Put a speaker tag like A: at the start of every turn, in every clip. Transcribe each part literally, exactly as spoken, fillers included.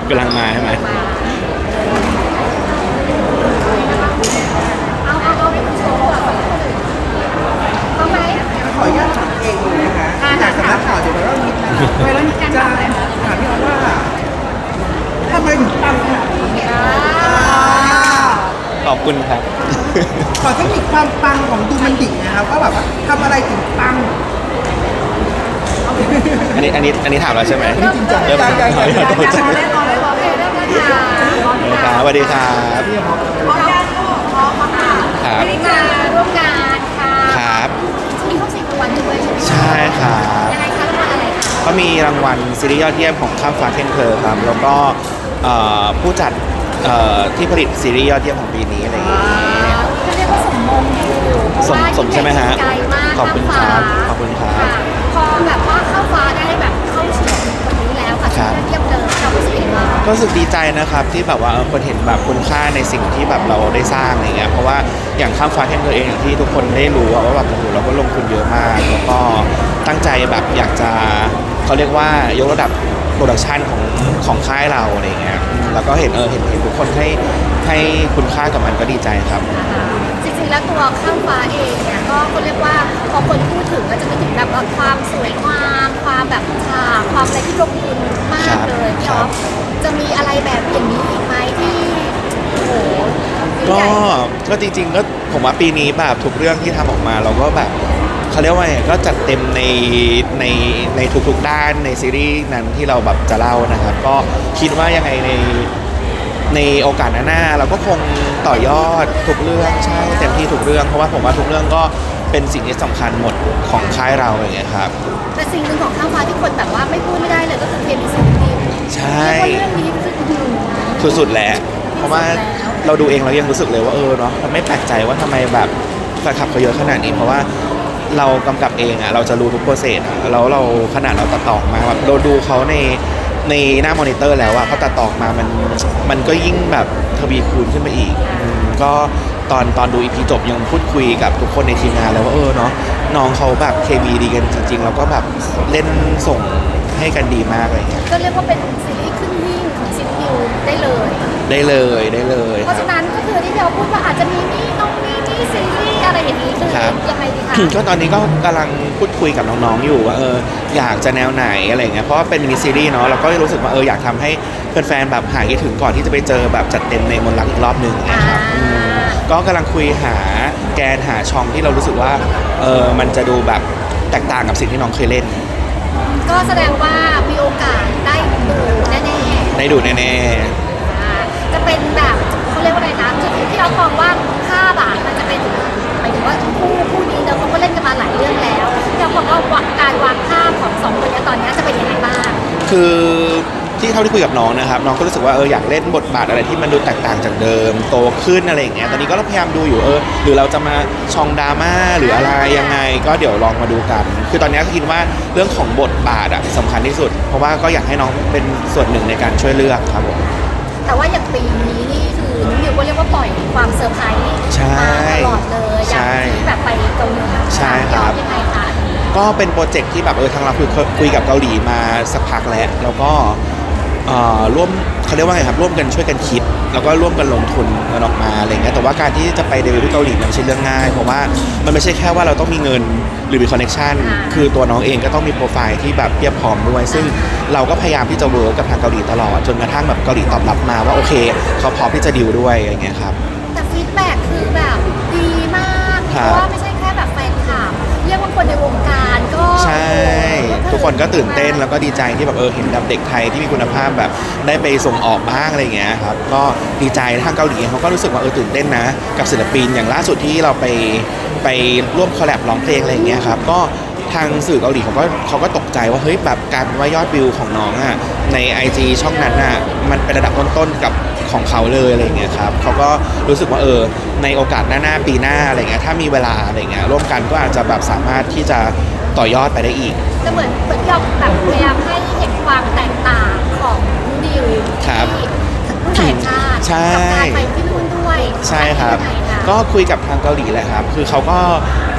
A: กำลังมาใช่ไหม
B: เอาเอาเอาให้คุณโชว์ก่อนเอาไหม
C: ขออนุญาตถามเองเลยนะคะจากสำนักข่าวเดี๋ยวเรามีเวลามีการถามพี่ออฟว่าทำไมถึงปังขนาดนี้
A: ขอบคุณครับ
C: ขอเทคนิคความปังของดูมันดิ่งนะครับว่าแบบว่าทำอะไรถึงปัง
A: อันนี้อันนี้อันนี้ถามแล้วใช่ไหม
C: จริงจัง
A: เริ่ม
C: ยังยังยังยัง
A: ขอโทษ
B: รอเลยรอเลยรอเลยรอเลยค่ะ
A: สวัสดีครับ
B: พร้อมยังพร้อมค่ะ
A: ครับ
B: ไม่ได้มาร่วมงานค่ะ
A: ครับ
B: มีเข้าสิบรางวัลด้วยใช่ไหม
A: ใช่ครับ
B: ยังไงคะรางวัลอะไรคะ
A: ก็มีรางวัลซีรีส์ยอดเยี่ยมของข้ามฟ้าเทนเพลครับ แล้วก็เอ่อผู้จัดเอ่อที่ผลิตซีรีส์ยอดเยี่ยมของปีนี้อะไรอย่างเงี้ย
B: เขาเรียกว่าสมมงอยู่เพราะ
A: สม
B: ว่า
A: สมใช่ไหมฮะ
B: ไกลมาก
A: ขอบคุณครับขอบคุณครับ
B: ะพอแบบว่าเข้าฟ้าได้แบบเข้าชิงวันนี้แล้วค่ะ
A: ครับ
B: เยี่ยมเลยเรารู้สึกยังไงบ้าง
A: ก็รู้สึกดีใจนะครับที่แบบว่าเออคนเห็นแบบคุณค่าในสิ่งที่แบบเราได้สร้างอะไรเงี้ยเพราะว่าอย่างข้ามฟ้าเทนเพลเองอย่างที่ทุกคนได้รู้อะว่าแบบโอ้โหเราก็ลงทุนเยอะมากแล้วก็ตั้งใจแบบอยากจะเขาเรียกว่ายกระดับโปรดักชันของของค่ายเราอะไรเงี้ยอืมแล้วก็เห็นเออเห็นเห็นทุกคนให้ให้คุณค่ากับมันก็ดีใจครับ
B: จริงๆแล้วตัวข้ามฟ้าเองเนี่ยก็เขาเรียกว่าพอคนพูดถึงก็จะนึกถึงแบบว่าความสวยงามความแบบฉากความอะไรที่ลงทุนมากเลยพี่อ๊อฟจะมีอะไรแบบอย่างนี้อีกไหมที่โอ้โหยิ่ง
A: ก็
B: ใหญ่
A: ก็จริงๆก็ผมว่าปีนี้แบบทุกเรื่องที่ทำออกมาเราก็แบบเขาเรียกว่าไงก็จัดเต็มในในในทุกๆด้านในซีรีส์นั้นที่เราแบบจะเล่านะครับ ก็คิดว่ายังไงในในโอกาสหน้าๆเราก็คงต่อยอดทุกเรื่องใช่เต็มที่ทุกเรื่องเพราะว่าผมว่าทุกเรื่องก็เป็นสิ่งที่สำคัญหมดของค่ายเราอย่างเงี้ยครับ
B: แต่สิ่งหนึ่งของข้ามฟ้าที่คนแบบว่าไม่พูดไม่ได้เลยก็คือเคมีซีรีส์
A: ใช่
B: เรียกว่าเรื่องนี้คืออื้อหือ
A: สุดๆแหละเพราะว่าเราดูเองเรายังรู้สึกเลยว่าเออเนาะเราไม่แปลกใจว่าทำไมแบบแฟนคลับเขาเยอะขนาดนี้เพราะว่าเรากำกับเองอะเราจะรู้ทุกโปรเซสอะแล้วเราขนาดเราตัดต่อมาแบบเราดูเขาในในหน้ามอนิเตอร์แล้วอะเขาตัดต่อมามันมันก็ยิ่งแบบทวีคูณขึ้นไปอีกอืมก็ตอนตอนดูอีพีจบยังพูดคุยกับทุกคนในทีมงานแล้วว่าเออเนาะน้องเขาแบบเคมีดีกันจริงๆแล้วก็แบบเล่นส่งให้กันดีมากอะไรเงี้ย
B: ก็เรียกว่าเป็นซีรีส์ขึ้นหิ้งของซีรีส์ได้เลย
A: ได้เลยได้เลย
B: เพราะฉะนั้นก็คือที่เราพูดว่าอาจจะมีนี่น้องนี่นี่ซีรีส์อะไรอย่างนี้คือ
A: ครับ
B: ยังไงดีคะ
A: ก็ตอนนี้ก็กำลังพูดคุยกับน้องๆอยู่ว่าเอออยากจะแนวไหนอะไรเงี้ยเพราะว่าเป็นมินิซีรีส์เนาะเราก็รู้สึกว่าเอออยากทำให้แฟนๆแบบหายคิดถึงก่อนที่จะไปเจอแบบจัดเต็มในมนต์รักอีกรอบหนึ่งนะครับอืมก็กำลังคุยหาแกนหาช่องที่เรารู้สึกว่าเออมันจะดูแบบแตกต่างกับสิ่งที่น้องเคยเล่น
B: ก็แสดงว่ามีโอกาสได้ดูแน่ๆ
A: ได้ดูแน่
B: อ่าจะเป็นแบบเขาเรียกว่าอะไรนะจุดที่เรามองว่าภาพอะมันจะเป็นหมายถึงว่าคู่คู่นี้เนอะเขาก็เล่นกันมาหลายเรื่องแล้วเราบอกว่าการวางภาพของสองคนนี้ตอนนี้จะเป็นยังไงบ้าง
A: ๆคือที่เท่าที่คุยกับน้องนะครับน้องก็รู้สึกว่าเอออยากเล่นบทบาทอะไรที่มันดูแตกต่างจากเดิมโตขึ้นอะไรอย่างเงี้ยตอนนี้ก็พยายามดูอยู่เออหรือเราจะมาช่องดราม่าหรืออะไรยังไงก็เดี๋ยวลองมาดูกัน คือตอนนี้ก็คิดว่าเรื่องของบทบาทอะสำคัญที่สุด เพราะว่าก็อยากให้น้องเป็นส่วนหนึ่งในการช่วยเลือกครับผม
B: แต่ว่าอย่างปีนี้นี่คือนุ้นิวก็เรียกว่าปล่อยความเซอร์ไพรส์
A: ใช่
B: มาตลอดเลยอย่าง
A: ใช่
B: ที่แบบไปเกาหลี
A: ใช่ครับ
B: ยังไงคะ
A: ก็เป็นโปรเจกต์ที่แบบเออทางเราคุยคุยกับเกาหลีมาสักพักแล้วแล้วก็เอ่อร่วมเขาเรียกว่าไงครับร่วมกันช่วยกันคิด แล้วก็ร่วมกันลงทุนกันออกมาอะไรเงี้ยแต่ว่าการที่จะไปเดบิวต์ที่เกาหลีมันไม่ใช่เรื่องง่ายเพราะว่ามันไม่ใช่แค่ว่าเราต้องมีเงินหรือมีคอนเนคชันคือตัวน้องเองก็ต้องมีโปรไฟล์ที่แบบเพียบพร้อมด้วย ซึ่งเราก็พยายามที่จะเวิร์กกับทางเกาหลีตลอดจนกระทั่งแบบเกาหลีตอบรับมาว่าโอเคเขาพร้อมที่จะดิวด้วยอะไรเงี้ยครับ
B: แต่ฟีดแบ็กคือแบบดีมากเพ
A: ครับ
B: ราะว่าไม่ใช่แค่แบบแฟนคลับเรียกว่าคนในวงการก็
A: ใช่ ทุกคนก็ตื่นเต้นแล้วก็ดีใจที่แบบเออเห็นแบบเด็กไทยที่มีคุณภาพแบบได้ไปส่งออกบ้างอะไรอย่างเงี้ยครับก็ดีใจทางเกาหลีเขาก็รู้สึกว่าเออตื่นเต้นนะกับศิลปินอย่างล่าสุดที่เราไปไปร่วมคอลแลบร้องเพลงอะไรอย่างเงี้ยครับก็ทางสื่อเกาหลีเขาก็เขาก็ตกใจว่าเฮ้ยแบบการว่ายอดวิวของน้องอ่ะใน ไอ จี ช่องนั้นอ่ะมันเป็นระดับต้นๆกับของเขาเลยอะไรอย่างเงี้ยครับเขาก็รู้สึกว่าเออในโอกาสหน้าๆปีหน้าอะไรเงี้ยถ้ามีเวลาอะไรเงี้ยร่วมกันก็อาจจะแบบสามารถที่จะต่อยอดไปได้อีก
B: จะเหมือนเหมือนยอมแบบพยายามให้เห็นความแตกต่างของนิว
A: ครับ
B: ที่รุ่นแห่งชาติ
A: ใช่
B: กับการไปที่นู่นด้วย
A: ใช่ครับ
B: ยังไงคะ
A: ก็คุยกับทางเกาหลีแหละครับ คือเขาก็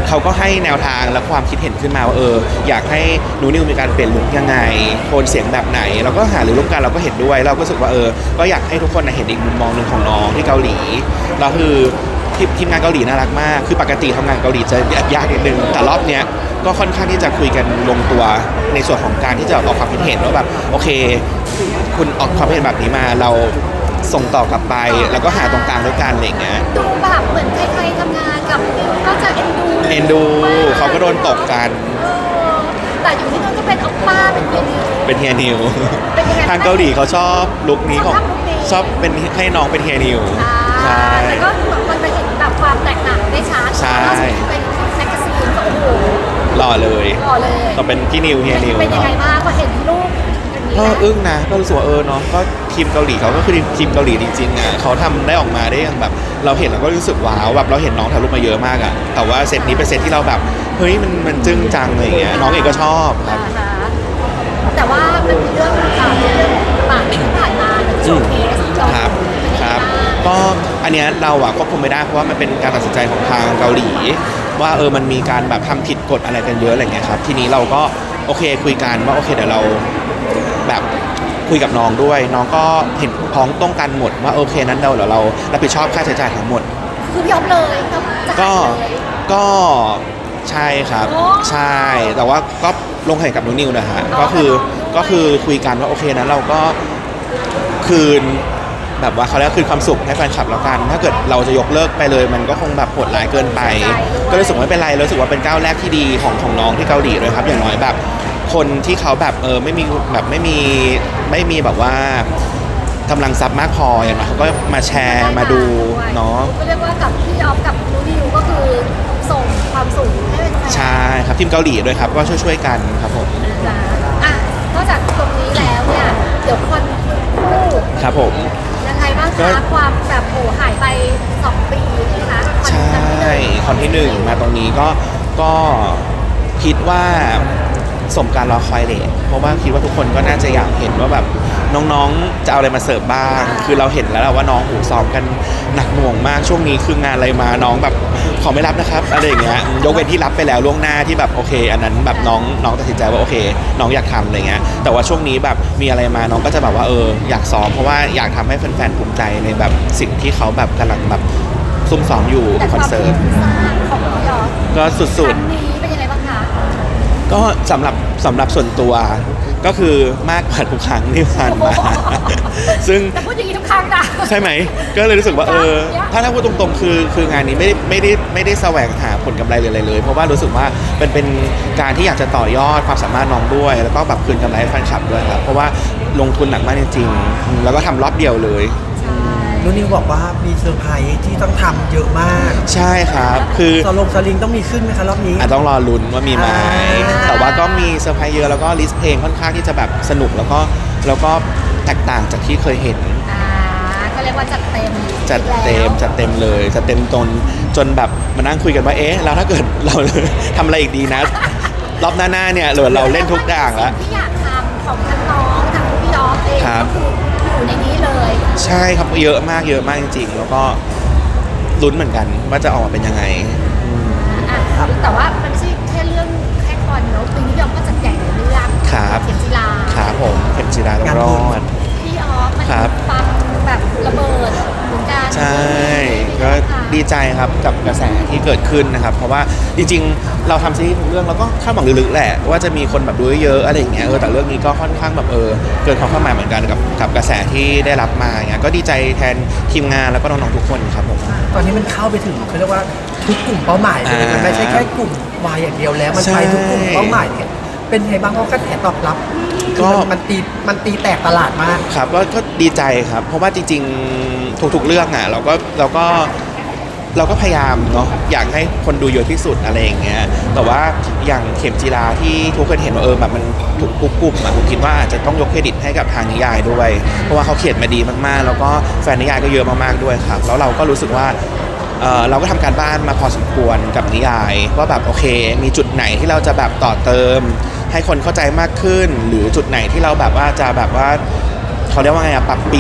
A: เขาก็ให้แนวทางและความคิดเห็นขึ้นมาว่าเอออยากให้หนูนิวมีการเปลี่ยนลุคยังไงโทนเสียงแบบไหนเราก็หารือร่วมกันเราก็เห็นด้วยเราก็รู้สึกว่าเออก็อยากให้ทุกคนเห็นอีกมุมมองหนึ่งของน้องที่เกาหลีเราคือทีมทีมงานเกาหลีน่ารักมากคือปกติทำงานเกาหลีจะยากนิดนึงแต่รอบเนี้ยก็ค่อนข้างที่จะคุยกันลงตัวในส่วนของการที่จะออกความคิดเห็นว่าแบบโอเคคุณออกความคิดเห็นแบบนี้มาเราส่งต่อกลับไปแล้วก็หาตรงกลางด้วยกันอะไรอย่างเงี้ย
B: ดูแบบเหมือนใครๆทำงานกับนิวก็จะเอ็นดู
A: เอ็นดูเขาก็โดนตกกัน
B: เออแต่อยู่ที่นู่นก็เป็นออปป้าเป็นเยนิว
A: เป็นเฮียนิว
B: เป็นยังไง
A: ทางเกาหลีเขาชอบลุคนี้ของ
B: ชอบลุคนี้
A: ชอบเป็นให้น้องเป็นเฮียนิว
B: ใช่แต่ก็แบบมันไปเห็นแบบความแตกต่างได้ชัด
A: ใช่
B: ล่าสุดเป็นแมกกาซีนก็โอ้โห
A: หล่อเลย
B: หล่อเลย
A: ก็เป็นพี่นิวเฮียนิว
B: เป็นยังไงบ้างพอเห็นรูปอย่างนี้
A: ก็
B: แล้ว
A: อึ้งนะก็รู้สึกว่าเออเนาะก็ทีมเกาหลีเขาก็คือทีมเกาหลีจริงๆอ่ะเขาทำได้ออกมาได้อย่างแบบ เราเห็นเราก็รู้สึกว้าวแบบเราเห็นน้องถ่ายรูปมาเยอะมากอ่ะแต่ว่าเซตนี้เป็นเซตที่เราแบบเฮ้ยมันมันจึ้งจังอะไรอย่างเงี้ยน้องเองก็ชอบครับ
B: อ่าฮะแต่ว่ามันมีเรื่องข่าวเรื่องปากที่ผ่านมาโชว์เคสจ
A: ครับครับ ก็อันเนี้ยเราอะควบคุมไม่ได้เพราะว่ามันเป็นการตัดสินใจของทางเกาหลี ว่าเออมันมีการแบบทำผิดกฎอะไรกันเยอะอะไรเงี้ยครับทีนี้เราก็โอเคคุยกันว่าโอเคเดี๋ยวเราแบบคุยกับน้องด้วย น้องก็เห็นพ้องต้องกันหมดว่าโอเคนั้นเราเดี๋ยวเรารับผิดชอบค่าใช้จ่ายทั้งหมด
B: คือพี่อ๊อฟเลยครับจะ
A: ก็
B: หายเลย
A: ก็ใช่ครับ
B: โอ้
A: ใช่แต่ว่าก็ลงแข่งกับนุนิวนะฮะ
B: อ๋อ
A: ก็คือ
B: กับน้องด้วย
A: ก็คือคุยกันว่าโอเคนั้นเราก็คืนแบบว่าเขาเรียกว่าคืนความสุขให้แฟนคลับแล้วกัน ถ้าเกิดเราจะยกเลิกไปเลย มันก็คงแบบโหดร้ายเกินไป ก็รู้สึกว่าไม่เป็นไรรู้สึกว่าเป็นก้าวแรกที่ดีของของน้องที่เกาหลีเลยครับ อย่างน้อยแบบ คนที่เขาแบบเออไม่มีแบบไม่มีไม่มีแบบว่ากำลังทรัพย์มากพออย่างน้อยเขาก็มาแชร์มาดูเนาะ
B: ก็เรียกว่ากับพี่ออฟกับนูนิวก็คือส่งความสุขให้เป็นแฟน
A: ใช่ครับทีมเกาหลีด้วยครับก็ช่วยๆกันครับผม
B: นะอ่ะนอกจากตรงนี้แล้วเนี่ยเดี๋ยวคอนคู่
A: ครับผม
B: ยังไงบ้าง
A: ก็
B: คะความแบบโอ้หายไปสองปีใช่ไหมคะคอน
A: ใช่
B: ครั้งที่หนึ่ง
A: คอนที่หนึ่งมาตรงนี้ก็ก็คิดว่าสมการรอคอยเลยเพราะว่าคิดว่าทุกคนก็น่าจะอยากเห็นว่าแบบน้องๆจะเอาอะไรมาเสิร์ฟบ้าง คือเราเห็นแล้วแหละว่าน้องหูซ้อมกันหนักหน่วงมากช่วงนี้คืองานอะไรมาน้องแบบขอไม่รับนะครับอะไรอย่างเงี้ยยกเว้นที่รับไปแล้วล่วงหน้าที่แบบโอเค อันนั้นแบบน้องน้องตัดสินใจว่าโอเค น้องอยากทำอะไรเงี้ยแต่ว่าช่วงนี้แบบมีอะไรมาน้องก็จะแบบว่าเอออยากซ้อมเพราะว่าอยากทำให้แฟนๆภูมิใจในแบบสิ่งที่เขาแบบกำลังแบบซุ่มซ้อมอยู่
B: แต่
A: ค
B: ค
A: อน
B: วาม
A: เสิ
B: ทุ่
A: ร์ต
B: มสร้างของพี่ออฟ
A: ก็สุ
B: ค
A: ด
B: รั้งนี้เป็นยังไงบ้างคะ
A: ๆ ก็สำหรับสำหรับส่วนตัวก็คือมากกว่าทุกครั้งที่ผ่านมา ซึ่ง
B: แต่พูดอย่างนี้ทุกครั้งนะ
A: ใช่ไหม ก็เลยรู้สึกว่าเออ ถ้าถ้าพูดตรงๆ คือคืองานนี้ไม่ได้ไม่ได้ไม่ได้แสวงหาผลกำไรเลยอะไรเลย เพราะว่ารู้สึกว่าเป็นเป็นการที่อยากจะต่อยอดความสามารถน้องด้วย แล้วก็แบบคืนกำไรให้แฟนคลับด้วยครับ เพราะว่าลงทุนหนักมากจริงๆอืมแล้วก็ทำรอบเดียวเลย
B: ใช่
C: นุนิวบอกว่ามีเซอร์ไพรส์ที่ต้องทำเยอะมาก
A: ใช่ครับ คือ
C: สลงสลิงต้องมีขึ้นไหมคะรอบนี้
A: อาจต้องรอลุ้นว่ามีไหม
C: อ่า
A: แต่ว่าก็มีเซอร์ไพรส์เยอะแล้วก็ลิสต์เพลงค่อนข้างที่จะแบบสนุกแล้วก็แล้วก็แตกต่างจากที่เคยเห็น
B: อ่าก็เรียกว่าจัดเต็ม
A: จัดเต็มจัดเต็มเลยจัดเต็มจนจนแบบมานั่งคุยกันว่าเอ๊ะแล้วถ้าเกิดเรา ทำอะไรอีกดีนะ รอบหน้าๆเนี่ยเหลือเราเล่นทุกอย่างแล้ว
B: ที่อยากทำของทั้งน้องทั้งพี่ออฟเอง
A: ครั
B: ก็
A: บ
B: คืออยู่ในนี้เลย
A: ใช่ครับเยอะมากเยอะมากจริงๆ แล้วก็ลุ้นเหมือนกันว่าจะออกมาเป็นยังไง
B: อ่ะแต่ว่ามันไม่ใช่แค่เรื่องแค่คอนเนอะปีนี้พี่ออฟก็จัดใหญ่ในเรื่อง
A: ครับ
B: เข็มจีรา
A: ครับผมเข็มจีราต้องรอด
B: พี่ออฟมัน
A: ครับ
B: ฟังแบบระเบิดเหมือนกัน
A: ใช่ก็ดีใจครับกับกระแสที่เกิดขึ้นนะครับ เพราะว่าจริงๆ เราทำซีรีส์ทุกเรื่องเราก็คาดหวังลึกๆแหละ ว่าจะมีคนแบบดูเยอะๆอะไรอย่างเงี้ยเออแต่เรื่องนี้ก็ค่อนข้างแบบเออเกินความคาดหมายเหมือนกันกับกับกระแสที่ได้รับมาอย่างเงี้ยก็ดีใจแทนทีมงานแล้วก็น้องๆทุกคนครับผม
C: ตอนนี้มันเข้าไปถึงเขาเรียกว่าทุกกลุ่มเป้าหมายเลย
A: อ่ามั
C: มันไม่ใช่แค่กลุ่มวายอย่างเดียวแล้ว มัน
A: ใช่
C: ไปทุกกลุ่มเป้าหมายเนี่ยเป็นไงบ้างก็กระแสตอบรับ
A: ก็
C: คือมันมันตีมันตีแตกตลาดมาก
A: ครับก็ก็ดีใจครับ เพราะว่าจริงๆทุกๆเรื่องอ่ะเราก็เราก็เราก็พยายามเนาะอยากให้คนดูเยอะที่สุดอะไรอย่างเงี้ยแต่ว่าอย่างเข็มจีราที่ทุกคนเห็นว่าเออแบบมันถูกกลุ่มอ่ะผมคิดว่าอาจจะต้องยกเครดิตให้กับทางนิยายด้วย เพราะว่าเขาเขียนมาดีมากๆ แล้วก็แฟนนิยายก็เยอะมากๆด้วยครับแล้วเราก็รู้สึกว่าเอ่อเราก็ทำการบ้านมาพอสมควรกับนิยายว่าแบบโอเค มีจุดไหนที่เราจะแบบต่อเติม ให้คนเข้าใจมากขึ้น หรือจุดไหนที่เราแบบว่าจะแบบว่าเขาเรียกว่าไงอะปรับเปลี่ยน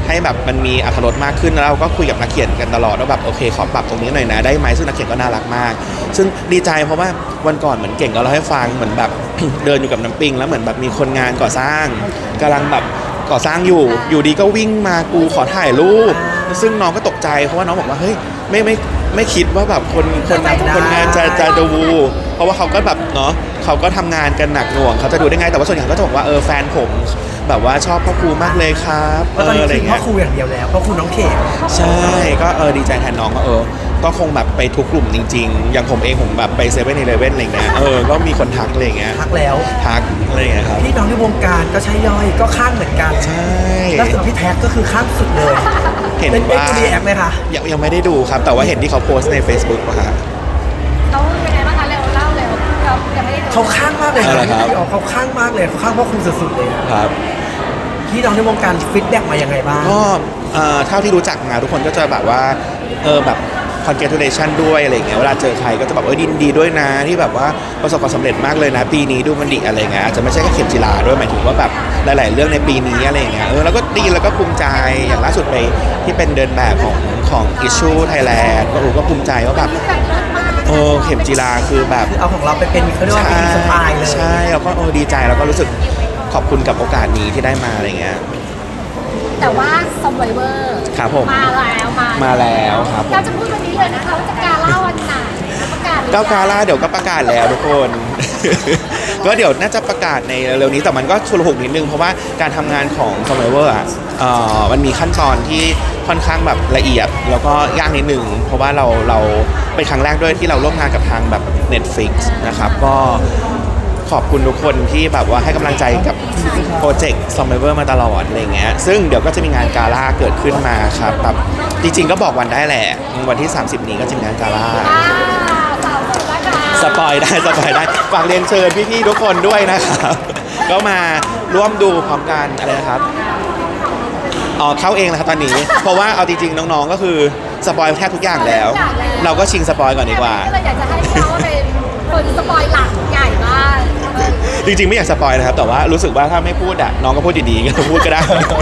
A: ให้แบบมันมีอรรถรสมากขึ้นแล้วเราก็คุยกับนักเขียนกันตลอดว่าแบบโอเคขอปรับตรงนี้หน่อยนะได้ไหมซึ่งนักเขียนก็น่ารักมาก ซึ่งดีใจเพราะว่าวันก่อนเหมือนเก่งก็เล่าให้ฟังเหมือนแบบ เดินอยู่กับน้ำปิงแล้วเหมือนแบบมีคนงานก่อสร้างกำลังแบบก่อสร้างอยู่อยู่ดีก็วิ่งมากูขอถ่ายรูปซึ่งน้องก็ตกใจเพราะว่าน้องบอกว่าเฮ้ยไม่ไม่ไม่คิดว่าแบบคนคนคนงานจะจะดูเพราะว่าเขาก็แบบเนาะเขาก็ทำงานกันหนักหน่วงเขาจะดูได้ไงแต่ว่าส่วนใหญ่ก็จะบอกว่าเออแฟนผมแบบว่าชอบพ่อครูมากเลยครับ
C: เพราะตอนนี้
A: อะไร
C: คือพ่
A: เงี้
C: อย ครูอย่างเดียวแล้วพ่อครูน้องเขม
A: ใช่ก็เออดีใจแทนน้องก็เออก็คงแบบไปทุกกลุ่มจริงๆ อย่างผมเองผมแบบไปเซเว่นอีเลฟเว่นอะไรเงี้ยเออก็มีคนทักอะไรเงี้ย
C: ทักแล้ว
A: ทักอะไรเงี้ยครับ
C: พี่น้องในวงการก็ใช่ย่อยก็ข้างเหมือนกัน
A: ใช่
C: แล้วส่วนพี่แท็กก็คือข้างสุดเลย
A: เห็น
C: เป็นเอ็ก
A: ว่า
C: ซ์รีแอคไหมคะ
A: ยังยังไม่ได้ดูครับ แต่ว่าเห็นที่เขาโพสต์ใน Facebook อะฮะ
B: เขาเป็นไงบ้างคะเร็วเล่าเร็วเรายังไม่ได้ดู
C: เขาข้างมากเลย
A: อะไรครับ
C: พี่อ๋อเขาข้างมากเลยเขาข้างพ่อครูสุดๆเลยอะ
A: ครับ
C: พี่น้องในวงการฟีดแบ็กมายังไงบ้าง
A: ก็เอ่อเท่าที่รู้จักมาทุกคนก็จะแบบว่าเออแบบ congratulation ด้วยอะไรเงี้ยเวลาเจอใครก็จะแบบเออดินดีด้วยนะที่แบบว่าประสบความสำเร็จมากเลยนะ ปีนี้ดูมันดีอะไรเงี้ยอาจจะไม่ใช่แค่เข็มจีราด้วยหมายถึงว่าแบบหลาย ๆ เรื่องในปีนี้อะไรเงี้ยเออแล้วก็ดีแล้วก็ภูมิใจอย่างล่าสุดไปที่เป็นเดินแบบของของ Issue Thailand ก็โอ้ก็ภูมิใจว่าแบบ
B: แบบเลิศมาก
A: เออเข็มจีราคือแบบ
C: คือเอาของเราไปเป็นเขาเรียกว่าเป็นอินสปายเลย
A: ใช่แล้วก็เออดีใจแล้วก็รู้สึกขอบคุณกับโอกาสนี้ที่ได้มาอะไรเงี้ย
B: แต่ว่า Survivor
A: ครับผม
B: มาแล้วมา
A: มาแล้วครับ
B: เราจะพูดวันนี้เลยนะคะว่าจะกาล่าวันไหนประกาศหรือยัง
A: ก้าวกาล่าเดี๋ยวก็ประกาศแล้วทุกคน ก็เดี๋ยวน่าจะประกาศในเร็วๆนี้แต่มันก็ชุลมุนนิดนึงเพราะว่าการทำงานของ Survivor อ่ะเอ่อมันมีขั้นตอนที่ค่อนข้างแบบละเอียด แล้วก็ยากนิดนึงเพราะว่าเราเราเป็นครั้งแรกด้วยที่เราร่วมงานกับทางแบบ Netflix นะครับก็ขอบคุณทุกคนที่แบบว่าให้กำลังใจกับโปรเจกต์ Survivor มาตลอดอะไรเงี้ยซึ่งเดี๋ยวก็จะมีงานกาล่าเกิดขึ้นมาครับแบบจริงๆก็บอกวันได้แหละวันที่ สามสิบ นี้ก็จะมีงานกาล่า
B: อ่าสาวคนละค่ะ
A: สปอยได้สปอยได้ฝากเรียนเชิญพี่ๆทุกคนด้วยนะครับ ก็มาร่วมดูพร้อมกันอะไรนะครับอ๋อเข้าเองแล้วครับตอนนี้ เพราะว่าเอาจริงๆน้องๆก็คือสปอยแทบทุกอย่างแล้ว เราก็ชิงสปอยก่อนดีกว่า
B: ก็เลยอยากจะให้เขาเป็นคนสปอยหลักใหญ่มาก
A: จริงๆไม่อยากสปอยนะครับ แต่ว่ารู้สึกว่าถ้าไม่พูดอ่ะน้องก็พูดดีๆก็พูดก็ได้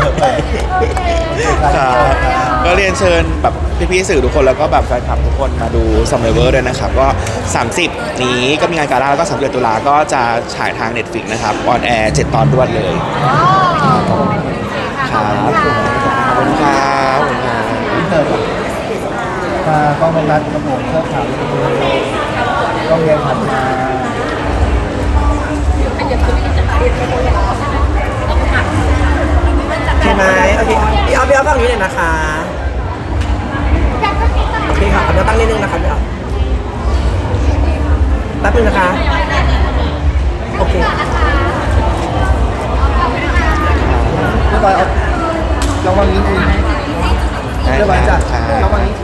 A: ครับก็เรียนเชิญแบบพี่ๆสื่อทุกคนแล้วก็แบบแฟนคลับทุกคนมาดู Survivor ด้วยนะครับ ก็ สามสิบ นี้ก็มีงานกาล่าแล้วก็สามสิบเอ็ดตุลาก็จะฉายทาง Netflix นะครับออนแอร์เจ็ดตอนรวดเลย
B: อ๋อขอบคุณค่ะ
A: ขอบคุณครับขอบคุณครับ
D: ที่เกิดมากล้องเป็นรัดกระผมเสื้อขาวกล้องเรียนผ่านมา
C: ใช่ไหมโอเคพี่เอาพี่เอาฝั่งนี้เลยนะคะโอเคค่ะเอาเดี๋ยวตั้งนิดนึงนะครับพี่เอาแป๊บนึงนะคะโอเค
D: เรียบร้อยเอาระวังนี้ทีเรียบร้อยจ้ะระวังนี้ที